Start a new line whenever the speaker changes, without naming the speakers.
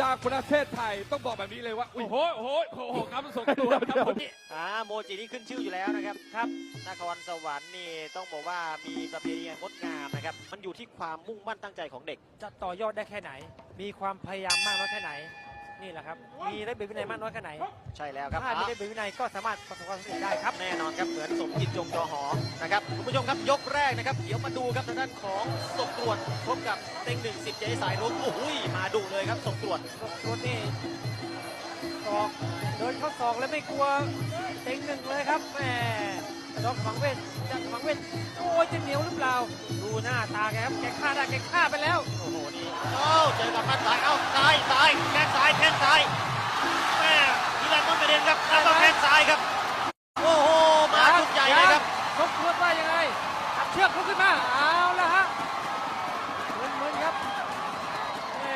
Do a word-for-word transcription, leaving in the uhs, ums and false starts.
จากประเทศไทยต้องบอกแบบนี้เลยว่าโอ้โหโอ้โหโอ้โหครับส่งตัวครับผม
อ่าโมจินี่ขึ้นชื่ออยู่แล้วนะครับครับนครสวรรค์นี่ต้องบอกว่ามีประเพณีงดงามนะครับมันอยู่ที่ความมุ่งมั่นตั้งใจของเด็ก
จะต่อยอดได้แค่ไหน มีความพยายามมากน้อยแค่ไหน นี่แหละครับ มีระเบียบวินัยมากน้อยแค่ไหน
ใช่แล้วครับ
ถ้ามีระเบียบวินัยก็สามารถประสบความสำเร็จได้ครับ
แน่นอนครับเหมือนสมจิตจงจอหอนะครับคุณผู้ชมครับยกแรกนะครับเดี๋ยวมาดูครับทางด้านของสมตรวจพบกับเต็งหนึ่งสิบเจสายรุ้งโอ้โหมาดุเลยครับสมตรวจ
ตัวนี่ศอกเดินเข้าศอกแล้วไม่กลัวเต็งหนึ่งเลยครับแหมดอกฝังเวทจะฝังเวทโอ้ยจะเหนียวหรือเปล่า ดูหน้าตาแกครับแกฆ่าได้แกฆ่าไปแล้ว
โอ้โหนี่เอ้าเจอกับมัดซ้ายเอ้าซ้ายซ้ายแข้งซ้ายแข้งซ้ายแม่ทีแรกต้นประเด็นครับแล้วก็แข้งซ้ายครับ